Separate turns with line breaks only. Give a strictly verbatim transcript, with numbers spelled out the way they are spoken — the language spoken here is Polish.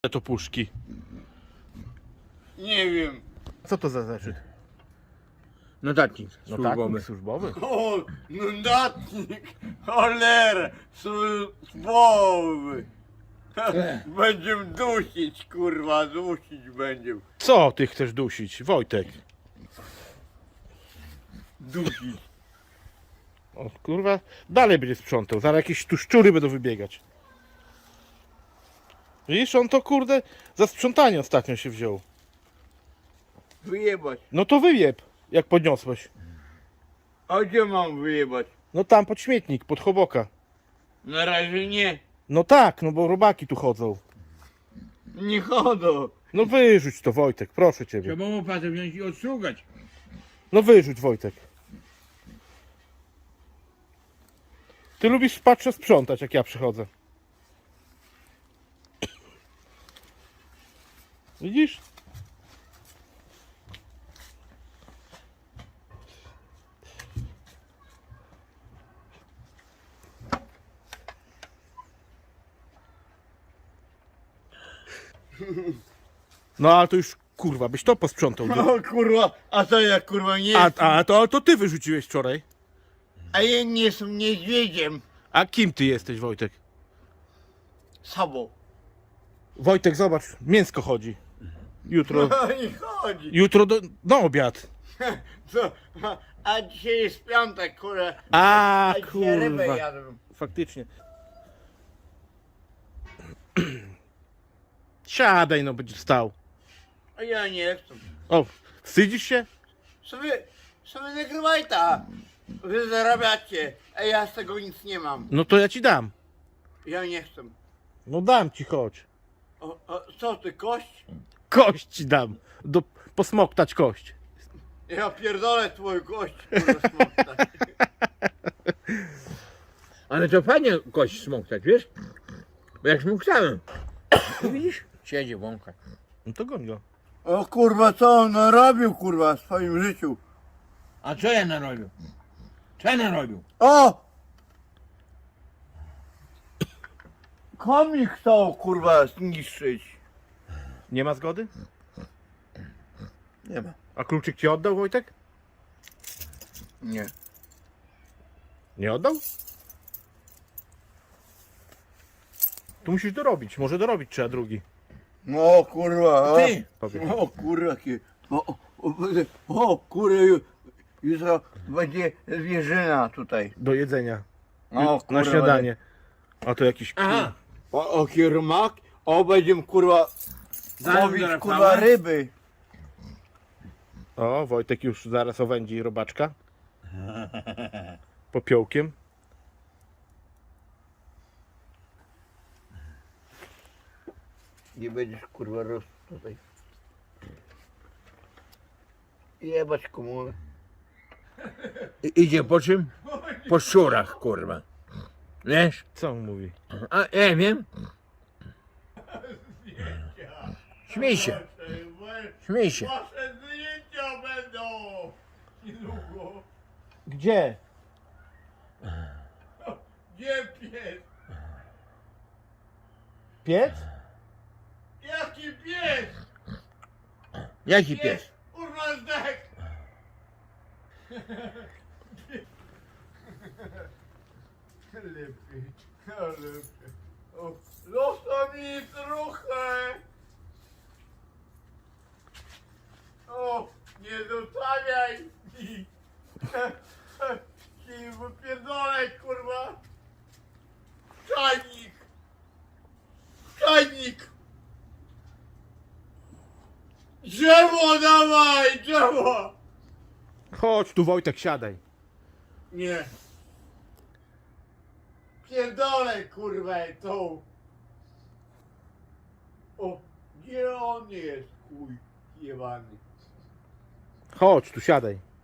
to puszki.
Nie wiem.
Co to za zeszyt?
Notatnik
No
służbowy.
tak, służbowy.
O, notatnik. Cholera. Służbowy. Będziemy dusić, kurwa, dusić będziemy.
Co ty chcesz dusić, Wojtek?
Dusić.
O kurwa, dalej będzie sprzątał, zaraz jakieś tu szczury będą wybiegać. Widzisz, on to kurde za sprzątanie ostatnio się wziął.
Wyjebać.
No to wyjeb, jak podniosłeś.
A gdzie mam wyjebać?
No tam pod śmietnik, pod choboka.
Na razie nie.
No tak, no bo robaki tu chodzą.
Nie chodzą.
No wyrzuć to, Wojtek, proszę ciebie.
Trzeba łopatę wziąć i odstrugać.
No wyrzuć, Wojtek. Ty lubisz, patrzę, sprzątać, jak ja przychodzę. Widzisz? No ale to już, kurwa, byś to posprzątał.
O kurwa, a to ja kurwa nie
A,
jestem.
a to, to ty wyrzuciłeś wczoraj.
A ja nie jestem niedźwiedziem.
A kim ty jesteś, Wojtek?
Sobą.
Wojtek, zobacz, mięsko chodzi. Jutro,
Nie chodzi.
jutro do, na obiad.
Co? A, a dzisiaj jest piątek, kurwa.
A,
A dzisiaj rybę
kurwa,
jadłem.
faktycznie. Siadaj, no, będziesz stał.
A ja nie chcę.
O, wstydzisz się?
Sobie, sobie nagrywaj ta. Wy zarabiacie, a ja z tego nic nie mam.
No to ja ci dam.
Ja nie chcę.
No dam ci, chodź.
O, o, co ty, kość?
Kość ci dam. Do, posmoktać kość.
Ja pierdolę twoją kość, kurwa, smoktać.
Ale to fajnie kość smoktać, wiesz? Bo jak smoktałem. Widzisz? Siedzi wąka.
No to goń go.
O kurwa, co on narobił, kurwa, w swoim życiu?
A co ja narobił? Co ja narobił?
O! Komik chciał, kurwa, zniszczyć.
Nie ma zgody?
Nie ma.
A kluczyk ci oddał, Wojtek?
Nie.
Nie oddał? Tu musisz dorobić. Może dorobić trzeba drugi.
No kurwa, o,
Ty!
Powiedz.
o kurwa, jakie- o, o, o, o kurwa, ju- jutro będzie zwierzyna tutaj.
Do jedzenia.
O,
Na
kurwa,
śniadanie. A to jakiś...
Aha!
O, o kiermak, o będziemy kurwa
Zaraz
łowić
do
kurwa
Rafała.
ryby.
O, Wojtek już zaraz owędzi robaczka. Popiołkiem.
Nie będziesz kurwa rosł tutaj. Jebać komunę.
I, idzie po czym? Po szczurach, kurwa. Wiesz?
Co on mówi?
A ja wiem. Śmiej się, śmiej się.
Wasze zdjęcia będą niedługo.
Gdzie?
Gdzie pies?
Piec?
Jaki pies?
Jaki pies?
Kurwa zdech! Lepiej, lepiej. O, zostaw mi trochę! O, nie zostawiaj mi! Ci wypierdolę, kurwa! Czajnik! Czajnik! Drzewo dawaj, drzewo!
Chodź tu, Wojtek, siadaj.
Nie. Pierdolę, kurwa, tą. O, gdzie on jest, chuj, jebany.
Chodź tu, siadaj.